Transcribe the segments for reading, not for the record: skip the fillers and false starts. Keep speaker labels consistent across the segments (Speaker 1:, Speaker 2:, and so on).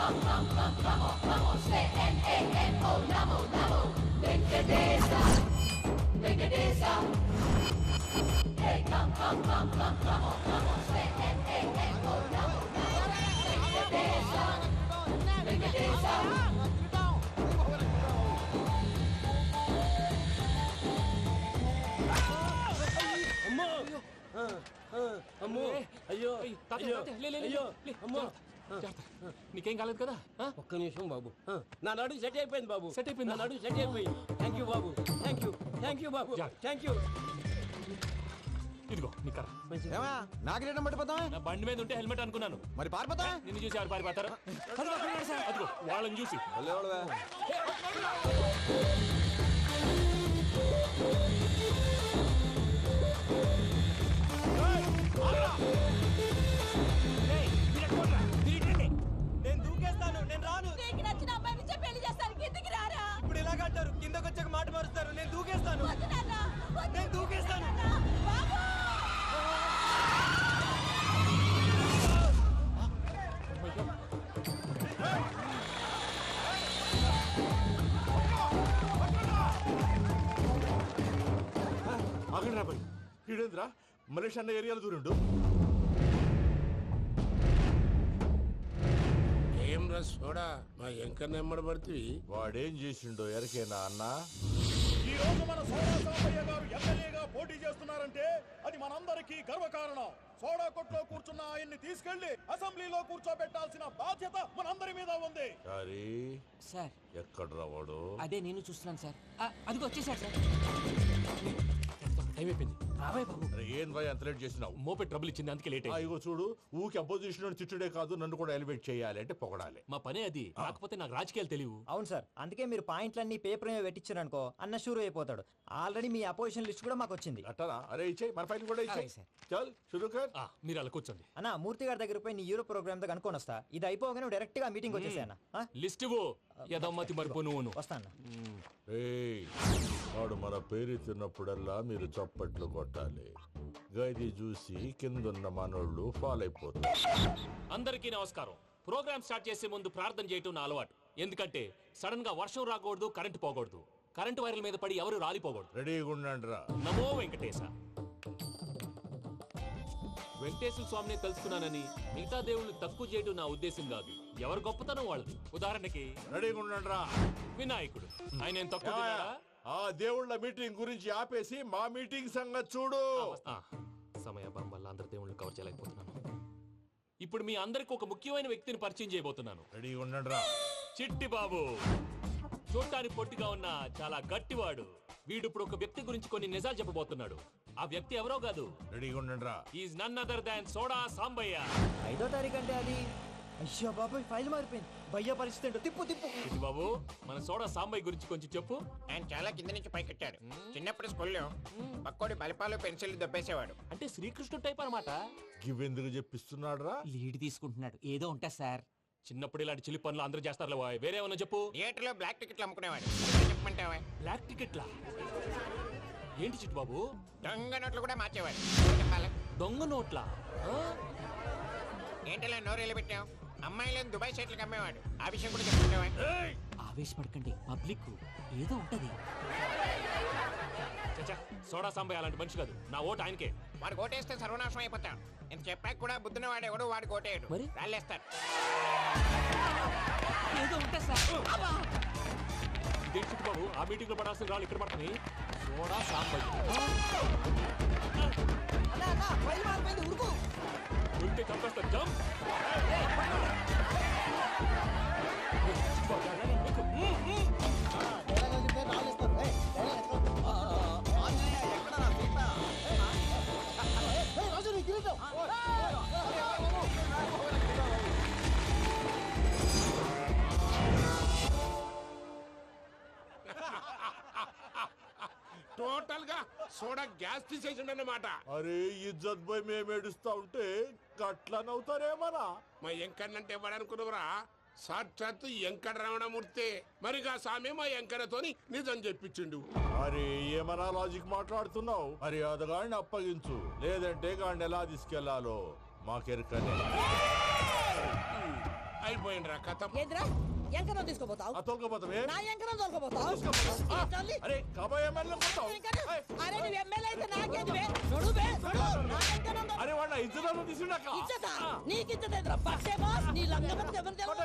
Speaker 1: Namo, say N-A-M-O, Namo, Namo, Venkatesa, Venkatesa. Hey, come, Namo, say N-A-M-O, Namo, Namo, Venkatesa, Venkatesa.
Speaker 2: అమ్మో అయ్యో
Speaker 3: నీకేం కాలేదు కదా?
Speaker 2: ఒక్క నిమిషం బాబు, నా నడుము సెట్ అయిపోయింది బాబు.
Speaker 3: సెట్ అయిపోయింది.
Speaker 2: నా నడుము సెట్ అయిపోయింది. థ్యాంక్ యూ బాబు, థ్యాంక్ యూ బాబు, థ్యాంక్ యూ.
Speaker 3: ఇదిగో నీ కర్ర.
Speaker 4: నాకు రేటం పట్టిపోతావా?
Speaker 3: నా బండి మీద ఉంటే హెల్మెట్ అనుకున్నాను.
Speaker 4: మరి పారిపోతా?
Speaker 3: నిన్ను చూసి ఎవరు పారిపోతారు? అదిగో వాళ్ళని చూసి.
Speaker 2: నేను దూకేస్తాను, నేను రాను.
Speaker 1: నీకు నచ్చిన అమ్మాయి నుంచే పెళ్లి చేస్తాను, కిందికి రారా.
Speaker 2: ఇప్పుడు ఇలాగంటారు, కిందకి వచ్చాక మాట మారుస్తారు. నేను దూకేస్తాను,
Speaker 1: వద్దు నాన్న, వద్దు.
Speaker 2: నేను దూకేస్తాను.
Speaker 1: బాబు
Speaker 5: ఆగండి రాబాయ్, ఈడేంద్రా మలేషియా అన్న ఏరియాలో దూరిండు.
Speaker 6: ఏం రస్ చూడా మా ఎంకర్ నెమ్మడబడుతుంది.
Speaker 5: వాడేం చేసిండో ఎరకేనా అన్న?
Speaker 7: ఈ రోజు మన సోడా సాంబయ్య గారు ఎమ్మెల్యేగా పోటీ చేస్తున్నారంటే అది మనందరికీ గర్వకారణం. సోడా కొట్లో కూర్చున్న ఆయన్ని తీసుకెళ్లి అసెంబ్లీలో కూర్చోబెట్టాల్సిన బాధ్యత మనందరి మీద ఉంది.
Speaker 5: సారీ
Speaker 8: సార్,
Speaker 5: ఎక్కడ రావాడు?
Speaker 8: అదే నేను చూస్తున్నాను సార్. అదిగో వచ్చేసాడు సార్.
Speaker 3: టైం అయిపోయింది. రాబాయ్ బాబు.
Speaker 5: అరే ఏం భయ అంత లేట్ చేసినావు?
Speaker 3: మోపే ట్రబుల్ ఇచ్చింది, అందుకే లేట్ అయింది.
Speaker 5: ఇగో చూడు, ఊకి అపోజిషన్ తిట్టుడే కాదు, నన్ను కూడా ఎలివేట్ చేయాలి అంటే పొగడాలి.
Speaker 3: మా పనే అది. కాకపోతే నాకు రాజకీయాలు తెలియవు.
Speaker 4: అవును సార్, అందుకే మీరు పాయింట్లన్నీ పేపర్ మీద పెట్టించారనుకో అన్న షూర్ అయిపోతాడు. ఆల్రెడీ మీ అపోజిషన్ లిస్ట్ కూడా మాకు వచ్చింది.
Speaker 5: అట్టనా? అరే ఇచ్చే మన ఫైల్ కూడా ఇచ్చే.
Speaker 4: అలాగే సార్.
Speaker 5: చల్ షురూ కర్.
Speaker 3: మీరు అలా కూర్చోండి.
Speaker 4: అన్న మూర్తి గారి దగ్గర పోయి నీ యూరో ప్రోగ్రామ్ తో కనుక్కొని వస్తా. ఇది అయిపోగానే డైరెక్ట్ గా మీటింగ్ వచ్చేసా అన్న.
Speaker 3: లిస్ట్ ఇవ్వు. యదమ్మతి మరిపో నువ్వును.
Speaker 4: వస్తా అన్న.
Speaker 5: ఏయ్, వాడు మన పేరు తిన్నప్పుడల్లా మీరు చప్పట్లు కొట్టాలి. గది చూసి కిందున్న మనోళ్ళు ఫాలో అయిపోతారు.
Speaker 3: అందరికీ నమస్కారం. ప్రోగ్రామ్ స్టార్ట్ చేసే ముందు ప్రార్థన చేయటం నా అలవాటు. ఎందుకంటే సడన్ గా వర్షం రాకూడదు, కరెంటు పోకూడదు, కరెంటు వైర్ల మీద పడి ఎవరు రాలిపోకూడదు.
Speaker 5: రెడీగా ఉండండి రా.
Speaker 3: నమో వెంకటేశ. వెంకటేశ్వర స్వామిని తెలుసుకున్నానని మిగతా దేవుళ్ళు తక్కువ చేయడం నా ఉద్దేశం కాదు. ఎవరు గొప్పతనం వాళ్ళది. ఉదాహరణకి
Speaker 5: రెడీగా ఉండండి రా.
Speaker 3: వినాయకుడు, ఆయన ఏం తక్కువ తిన్నాడా?
Speaker 5: ఆ దేవుళ్ళ మీటింగ్ గురించి ఆపేసి మా మీటింగ్ సంగతి చూడు.
Speaker 3: సమయాభావం వల్ల అందరి దేవుళ్ళు కవర్ చేయలేకపోతున్నాను. ఇప్పుడు మీ అందరికి ఒక ముఖ్యమైన వ్యక్తిని పరిచయం చేయబోతున్నాను.
Speaker 5: రెడీగా ఉండండి రా.
Speaker 3: చిట్టి బాబు. చూడటానికి పొట్టిగా ఉన్న చాలా గట్టివాడు. వీడు ఇప్పుడు ఒక వ్యక్తి గురించి కొన్ని నిజాలు చెప్పబోతున్నాడు. ఆ వ్యక్తి ఎవరో కాదు.
Speaker 5: రెడీగా ఉండండి రా.
Speaker 3: Is none other than soda Sambayya.
Speaker 4: 5వ తారీఖు అంటే అది. అయ్యో బాబాయ్, ఫైల్ మారిపోయింది. భయ్య పరిస్థితి ఏంటో తిప్పు తిప్పు.
Speaker 3: చిట్టి బాబు, మన సోడా సాంబయ్య గురించి కొంచెం చెప్పు.
Speaker 6: ఆయన చాలా కింద నుంచి పైకెట్టాడు. చిన్నప్పుడు స్కూల్లో పక్కోడి బలిపాలు పెన్సిల్ దొబ్బేసేవాడు.
Speaker 3: అంటే శ్రీకృష్ణుడు టైప్ అనమాట.
Speaker 5: గివెందుకు చెప్పిస్తున్నాడు రా?
Speaker 8: లీడ్ తీసుకుంటున్నాడు. ఏదో ఉంటా సార్.
Speaker 3: చిన్నప్పుడు ఇలాంటి చిలి పనులు అందరూ చేస్తారు. వేరే ఏమన్నా చెప్పు.
Speaker 6: థియేటర్లో బ్లాక్ టికెట్లు అమ్ముకునేవాడు. చెప్పమంటావా?
Speaker 3: బ్లాక్ టికెట్లా? ఏంటి చిట్టు బాబు?
Speaker 6: దొంగ నోట్లు కూడా మార్చేవాడు. చెప్పాలి.
Speaker 3: దొంగ నోట్లా?
Speaker 6: ఏంటలా నోరేళ్ళు పెట్టావు? అమ్మాయిలను దుబాయ్ షర్ట్లకు అమ్మేవాడు. ఆ విషయం కూడా చెప్పమంటావా?
Speaker 8: ఆవేశపడకండి, పబ్లిక్ ఏదో ఉంటది.
Speaker 3: చచ్చా, సోడా సాంబయ్య అలాంటి మనిషి కాదు. నా ఓటు ఆయనకే.
Speaker 6: వాడు ఓటేస్తే సర్వనాశనం అయిపోతాం. ఇంత చెప్పాక కూడా బుద్ధిన వాడు ఎవడు వాడు ఓటేయడు.
Speaker 8: మరి?
Speaker 6: రాళ్ళేస్తాడు.
Speaker 8: ఏదో ఉంటా సార్.
Speaker 3: ఇదేంటి చిట్టు బాబు, ఆ మీటింగ్ లో పడాల్సిన రాళ్ళు ఇక్కడ పడతాయి. సోడా సాంబయ్య ఉంటే చంపేస్తారు. జంప్.
Speaker 6: టోటల్ గా సోడా గ్యాస్ తీసేసిండు అన్నమాట.
Speaker 5: అరే ఇజ్జత్ పోయి మేము ఏడుస్తా ఉంటే గట్లా నవ్వుతారేమరా?
Speaker 6: మా ఎంకన్నంటే ఎవడనుకున్నావురా? సాక్షాత్తు ఎంకట రమణమూర్తి. మరిగా సామె మా ఎంకన్నతోని నిజం చెప్పించిండు.
Speaker 5: అరే ఏమన్నా లాజిక్ మాట్లాడుతున్నావు? అరే అదగాడిని అప్పగించు, లేదంటే గాడిని ఎలా తీసుకెళ్లాలో మాకెరకనే.
Speaker 6: అయిపోయిండ్రా కథ.
Speaker 9: ఏంద్రా ఎంకరం తీసుకోపోతావు?
Speaker 5: తోలుకోపోతావే
Speaker 9: నా ఎంకరం తోలుకోపోతావు?
Speaker 5: అరే కాబోయే ఎమ్మెల్యే కొడతావు.
Speaker 9: అరే నువ్వు ఎమ్మెల్యే అయితే నాకేది బే? నడు బే, నడు. నా ఎంకరం తోలు-
Speaker 5: అరే వాడు ఇద్దరు తీసుకున్నాక
Speaker 9: ఇచ్చతా? నీకు ఇచ్చతేంద్రా? పట్టే బాస్, నీ లంగమతి ఎవరు తెలుసు?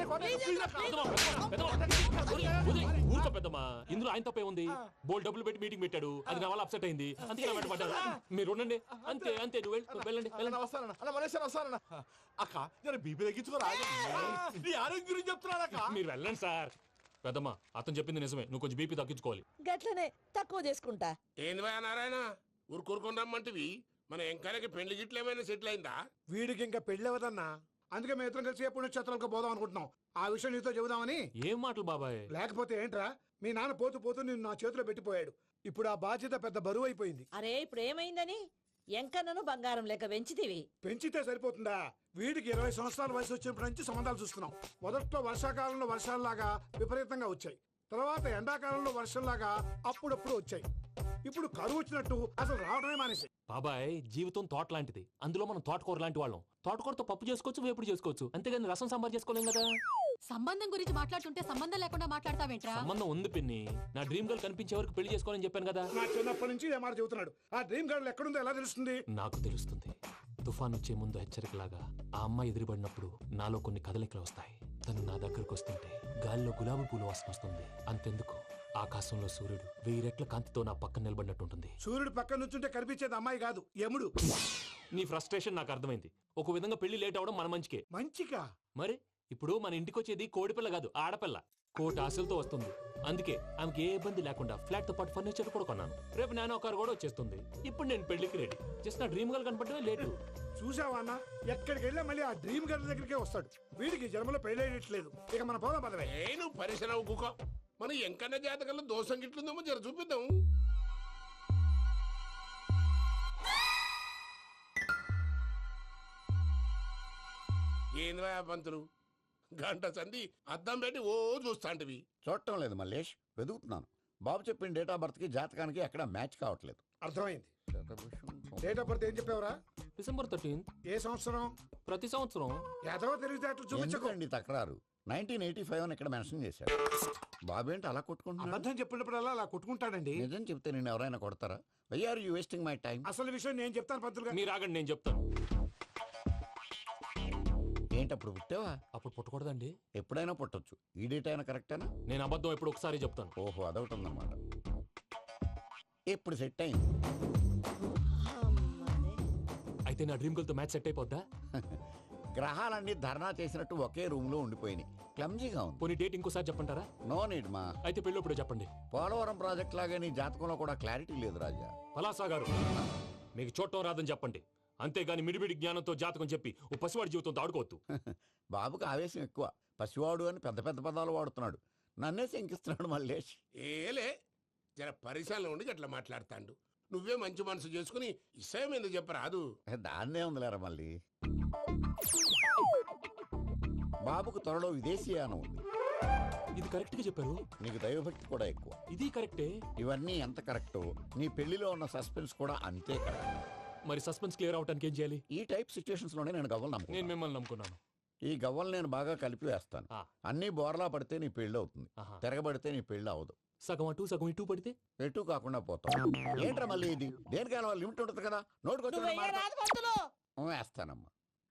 Speaker 3: ఊరుకో పెద్దమ్మా, ఇందులో ఆయన తప్పే ఉంది. బోల్ డబ్బులు పెట్టి మీటింగ్ పెట్టాడు, అది నా వల్ల అప్సెట్ అయింది, అందుకే నా వెంట పడ్డాడు. మీరు ఉండండి, అంతే అంతే, నువ్వు వెళ్ళండి వెళ్ళండి.
Speaker 5: వస్తానన్న అన్న మలేశ్వర వస్తానన్న. అక్క నేను బీపీ తగ్గించుకోరా నీ ఆరోగ్యం గురించి చెప్తున్నానక్క.
Speaker 3: మీరు వెళ్ళండి సార్. పెద్దమ్మా, అతను చెప్పింది నిజమే, నువ్వు కొంచెం బీపీ తగ్గించుకోవాలి.
Speaker 9: గట్లనే తక్కువ చేసుకుంటా.
Speaker 6: ఏంది భయ నారాయణ ఊరుకూరుకొని రమ్మంటివి? మన ఎంకరకి పెళ్లి గిట్లు ఏమైనా సెటిల్ అయిందా?
Speaker 7: వీడికి ఇంకా పెళ్ళి అవ్వదన్నా. అందుకే మేము ఇద్దరం కలిసి పుణ్యక్షేత్రాలకు పోదాం అనుకుంటున్నాం. ఆ విషయం నీతో చెబుదామని.
Speaker 3: ఏం మాటలు బాబాయ్?
Speaker 7: లేకపోతే ఏంట్రా, మీ నాన్న పోతూ పోతూ నిన్ను నా చేతిలో పెట్టిపోయాడు. ఇప్పుడు ఆ బాధ్యత పెద్ద బరువు అయిపోయింది.
Speaker 9: అరే ఇప్పుడు ఏమైందని? ఎంకన్నను బంగారం లెక్క పెంచితివి.
Speaker 7: పెంచితే సరిపోతుందా? వీడికి 20 సంవత్సరాల వయసు వచ్చినప్పటి నుంచి సంబంధాలు చూస్తున్నాం. మొదట్లో వర్షాకాలంలో వర్షాలలాగా విపరీతంగా వచ్చాయి. తర్వాత ఎండాకాలంలో వర్షంలాగా అప్పుడప్పుడు వచ్చాయి. ఇప్పుడు కరువు వచ్చినట్టు అసలు రావడమే మానేసి.
Speaker 3: బాబాయ్, జీవితం తోట లాంటిది, అందులో మనం తోటకూర లాంటి వాళ్ళం. తోటకూరతో పప్పు చేసుకోవచ్చు, వేపుడు చేసుకోవచ్చు, అంతేగాని రసం సాంబార్ చేసుకోలేం కదా.
Speaker 1: సంబంధం గురించి మాట్లాడుతుంటే సంబంధం లేకుండా మాట్లాడతావేంట్రా?
Speaker 3: సంబంధం ఉంది పిన్ని. నా డ్రీమ్ గర్ల్ కనిపించే వరకు పెళ్లి చేసుకోవాలని చెప్పాను కదా.
Speaker 7: నా చిన్నప్పటి నుంచి ఏ మాట చెబుతున్నాడు. ఆ డ్రీమ్ గర్ల్ ఎక్కడుందో ఎలా తెలుస్తుంది?
Speaker 3: నాకు తెలుస్తుంది. తుఫాన్ వచ్చే ముందు హెచ్చరికలాగా ఆ అమ్మాయి ఎదురుపడినప్పుడు నాలో కొన్ని కదలికలు వస్తాయి. తను నా దగ్గరకు వస్తుంటే గాలిలో గులాబీ పూలు వాసన వస్తుంది. అంతెందుకు, ఆకాశంలో సూర్యుడు 1000 రెట్ల కాంతితో నా పక్కన నిలబడినట్టుంటుంది.
Speaker 7: సూర్యుడు పక్కన నుంచుంటే కనిపించేది అమ్మాయి కాదు, యముడు.
Speaker 3: నీ ఫ్రస్ట్రేషన్ నాకు అర్థమైంది. ఒక విధంగా పెళ్లి లేట్ అవడం మన మంచికే.
Speaker 7: మంచిగా?
Speaker 3: మరి ఇప్పుడు మన ఇంటికి వచ్చేది కోడిపిల్ల కాదు, ఆడపిల్ల. కోటి ఆశలతో వస్తుంది. అందుకే ఆమెకి ఏ ఇబ్బంది లేకుండా ఫ్లాట్ తో పాటు ఫర్నిచర్ కూడా కొన్నాను. రేపు నానో కారు కూడా వచ్చేస్తుంది. ఇప్పుడు నేను పెళ్లికి రెడీ. జస్ట్ నా డ్రీమ్ గర్ల్ కనపడమే లేటు.
Speaker 7: చూసావా అన్న, ఎక్కడికి వెళ్ళా మళ్ళీ ఆ డ్రీమ్ గర్ల్ దగ్గరికే వస్తాడు. వీడికి జన్మలో పెళ్ళేయట్లేదు. ఇక మన పోదాం పదవే.
Speaker 6: నేను పరిశ్రమ కుక మన ఎంకన్న జాతకంలో దోషం గిట్లుందేమో జర చూపిద్దాం. ఏంది భయ పంతులు, గంట సంధి అద్దం పెట్టి ఓ చూస్తాంటివి.
Speaker 10: చూడటం లేదు మల్లేష్, వెతుకుతున్నాను. బాబు చెప్పిన డేట్ ఆఫ్ బర్త్ కి జాతకానికి ఎక్కడ మ్యాచ్ కావట్లేదు.
Speaker 7: అర్థమైంది. డేట్ ఆఫ్ బర్త్ ఏం చెప్పావురా?
Speaker 3: December 13th.
Speaker 7: ఏ సంవత్సరం?
Speaker 3: ప్రతి సంవత్సరం.
Speaker 7: ఏదో తెలివితేటలు చూపించకు.
Speaker 10: ఎందుకండి తక్రారు? 1985 అని ఇక్కడ మెన్షన్ చేశాడు. బాబు ఏంటి అలా కొట్టుకుంటున్నాడు?
Speaker 7: అబద్ధం చెప్పినప్పుడల్లా అలా కొట్టుకుంటాడండి.
Speaker 10: నిజం చెప్తే నేను ఎవరైనా కొడతారా? Why are you wasting my time?
Speaker 7: అసలు విషయం నేను చెప్తాను పంతులు గారు.
Speaker 3: మీరు ఆగండి, నేను చెప్తాను.
Speaker 10: ఏంటి అప్పుడు పుట్టావా?
Speaker 3: అప్పుడు పుట్టకూడదండి.
Speaker 10: ఎప్పుడైనా పుట్టొచ్చు. ఈ డేట్ అయినా కరెక్టేనా?
Speaker 3: నేను అబద్ధం ఎప్పుడు ఒకసారి చెప్తాను.
Speaker 10: ఓహో, అదొకటి ఉందన్నమాట. ఎప్పుడు సెట్ అయింది?
Speaker 3: అయితే నా డ్రీమ్ గర్ల్ తో మ్యాచ్ సెట్ అయిపోద్దా?
Speaker 10: గ్రహాలన్నీ ధర్నా చేసినట్టు ఒకే రూమ్ లో ఉండిపోయినాయి. క్లమ్జీగా ఉంది.
Speaker 3: పోనీ డేట్ ఇంకోసారి చెప్పంటారా?
Speaker 10: నో నీడ్ మా.
Speaker 3: అయితే పెళ్ళప్పుడు చెప్పండి.
Speaker 10: పోలవరం ప్రాజెక్ట్ లాగే నీ జాతకంలో కూడా క్లారిటీ లేదు రాజా.
Speaker 3: పలాసా గారు, మీకు చూడటం రాదని చెప్పండి. అంతేగాని మిడిమిడి జ్ఞానంతో జాతకం చెప్పి ఓ పసివాడి జీవితంతో ఆడుకోవద్దు.
Speaker 10: బాబుకి ఆవేశం ఎక్కువ. పసివాడు అని పెద్ద పెద్ద పదాలు వాడుతున్నాడు. నన్నే శంకిస్తున్నాడు మల్లేష్.
Speaker 6: ఏలే జర పరిశ్రమలో ఉండి అట్లా మాట్లాడతాండు. నువ్వే మంచి మనసు చేసుకుని ఇష్టం ఎందుకు చెప్పరాదు?
Speaker 10: దాన్నే ఉందిలేరా మళ్ళీ. బాబుకు త్వరలో విదేశీయానం ఉంది.
Speaker 3: ఇది కరెక్ట్ గా చెప్పారు.
Speaker 10: నీకు దైవభక్తి కూడా ఎక్కువ.
Speaker 3: ఇది కరెక్టే.
Speaker 10: ఇవన్నీ ఎంత కరెక్టో నీ పెళ్లిలో ఉన్న సస్పెన్స్ కూడా అంతే కరెక్ట్.
Speaker 3: మరి సస్పెన్స్ క్లియర్ అవడానికి ఏం చేయాలి?
Speaker 10: ఈ టైప్ సిచ్యువేషన్స్ లోనే నేను గవ్వలు
Speaker 3: నేను
Speaker 10: నమ్ముకున్నాను.
Speaker 3: మిమ్మల్ని నమ్ముకున్నాను.
Speaker 10: ఈ గవ్వలు నేను బాగా కలిపి వేస్తాను.
Speaker 3: ఆ.
Speaker 10: అన్ని బోర్లా పడితే నీ పెళ్లి అవుతుంది.
Speaker 3: ఆహా.
Speaker 10: తిరగబడితే నీ పెళ్లి అవదు.
Speaker 3: సగం అటు సగం ఇటు పడితే
Speaker 10: ఎటు కాకుండా పోతావు. ఏంట్రా మళ్ళీ ఇది? దేనికైనా లిమిట్ ఉంటుంది కదా.
Speaker 9: నువ్వు వెయ్యరాదు పంతులు.
Speaker 10: నోటుకొచ్చి వేస్తానమ్మా.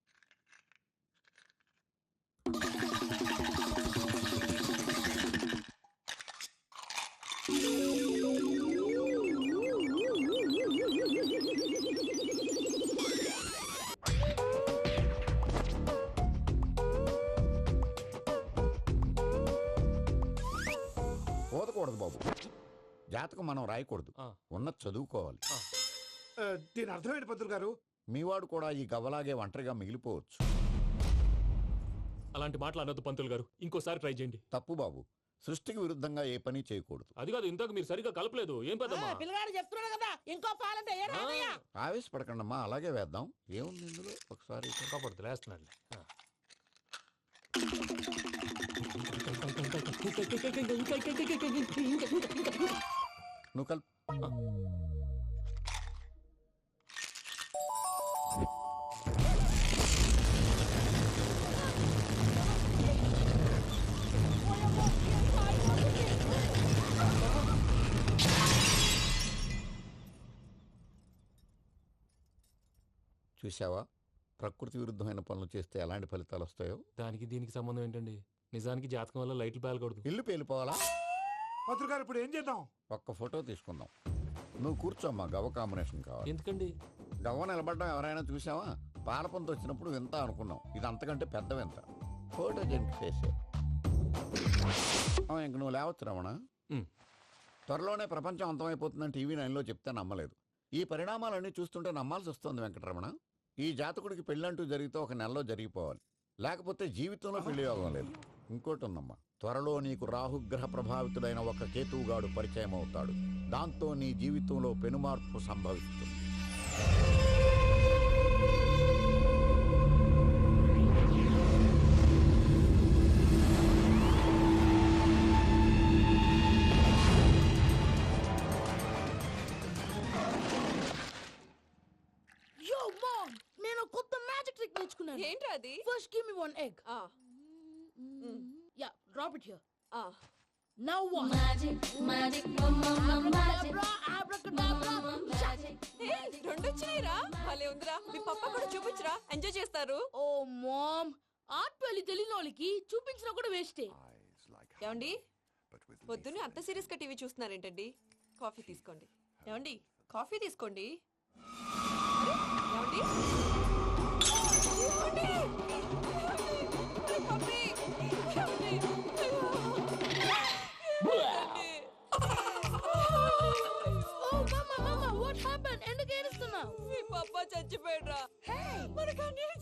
Speaker 10: పోదకూడదు బాబు. జాతకం మనం రాయకూడదు.
Speaker 3: ఆ.
Speaker 10: ఉన్నది చదువుకోవాలి.
Speaker 7: దీని అర్థమైంది పంతులు గారు.
Speaker 10: మీవాడు కూడా ఈ గవ్వలాగే ఒంటరిగా మిగిలిపోవచ్చు.
Speaker 3: అలాంటి మాటలు అనొద్దు పంతులు గారు. ఇంకోసారి ట్రై చేయండి.
Speaker 10: తప్పు బాబు. సృష్టికి విరుద్ధంగా ఏ పని చేయకూడదు.
Speaker 3: అది కాదు, ఇంతకు మీరు సరిగా కలపలేదు. ఏం పెద్దమ్మా?
Speaker 9: పిల్లగాడు చెప్తున్నాడు కదా, ఇంకో పాలంటే ఏ రాదయ్యా?
Speaker 10: ఆవేశపడకండమ్మా, అలాగే వేద్దాం. ఏముంది ఇందులో? ఒకసారి
Speaker 3: కాపాడుతు లేస్తున్నాడు.
Speaker 10: నువ్వు కల్ చూసావా ప్రకృతి విరుద్ధమైన పనులు చేస్తే ఎలాంటి ఫలితాలు వస్తాయో.
Speaker 3: దానికి దీనికి సంబంధం ఏంటండి? నిజానికి జాతకం వల్ల లైట్లు పేలకూడదు.
Speaker 10: ఇల్లు పేలిపోవాలా?
Speaker 7: మంత్రి గారు ఇప్పుడు ఏం చేద్దాం?
Speaker 10: ఒక్క ఫోటో తీసుకుందాం. నువ్వు కూర్చోమ్మా, గవ్వ కాంబినేషన్ కావాలి.
Speaker 3: ఎందుకండి?
Speaker 10: గవ్వ నిలబడడం ఎవరైనా చూసావా? పాలపంత వచ్చినప్పుడు వింత అనుకున్నాం, ఇది అంతకంటే పెద్ద వింత. ఫోటో జంక్ చేసే ఇంక నువ్వు లేవచ్చు రమణ. త్వరలోనే ప్రపంచం అంతమైపోతుందని టీవీ 9లో చెప్తే నమ్మలేదు. ఈ పరిణామాలన్నీ చూస్తుంటే నమ్మాల్సి వస్తుంది వెంకటరమణ. ఈ జాతకుడికి పెళ్ళంటూ జరిగితే ఒక నెలలో జరిగిపోవాలి, లేకపోతే జీవితంలో పెళ్లి యోగం లేదు. ఇంకోటి ఉందమ్మా, త్వరలో నీకు రాహుగ్రహ ప్రభావితుడైన ఒక కేతువుగాడు పరిచయం అవుతాడు. దాంతో నీ జీవితంలో పెనుమార్పు సంభవిస్తుంది.
Speaker 9: నేను కొత్త మ్యాజిక్ ట్రిక్ నేర్చుకున్నాను.
Speaker 1: ఏంట్రా అది?
Speaker 9: First give me one egg. Yeah, drop it here. Now what? Magic abracadabra, abracadabra.
Speaker 1: రెండు వచ్చినాయిరా. భలే ఉందిరా. మీ పప్ప కూడా చూపించరా, ఎంజాయ్ చేస్తారు.
Speaker 9: ఓ మామ్, ఆర్ట్ పెళ్లి తెలియని వాళ్ళకి చూపించినా కూడా వేస్టే.
Speaker 1: ఏమండి, పొద్దున్నే అంత సీరియస్ గా టీవీ చూస్తున్నారేంటండి? కాఫీ తీసుకోండి. ఏమండి, కాఫీ తీసుకోండి. ఏమండి? ఏమండి? ఏమండి? పప్పి! ఏమండి?
Speaker 9: ఓ మమ్మ, వాట్ హ్యాపెండ్? ఎందుకు ఏడుస్తున్నావు?
Speaker 1: మీ పప్ప చచ్చిపోయాడురా. మనకు అన్యాయం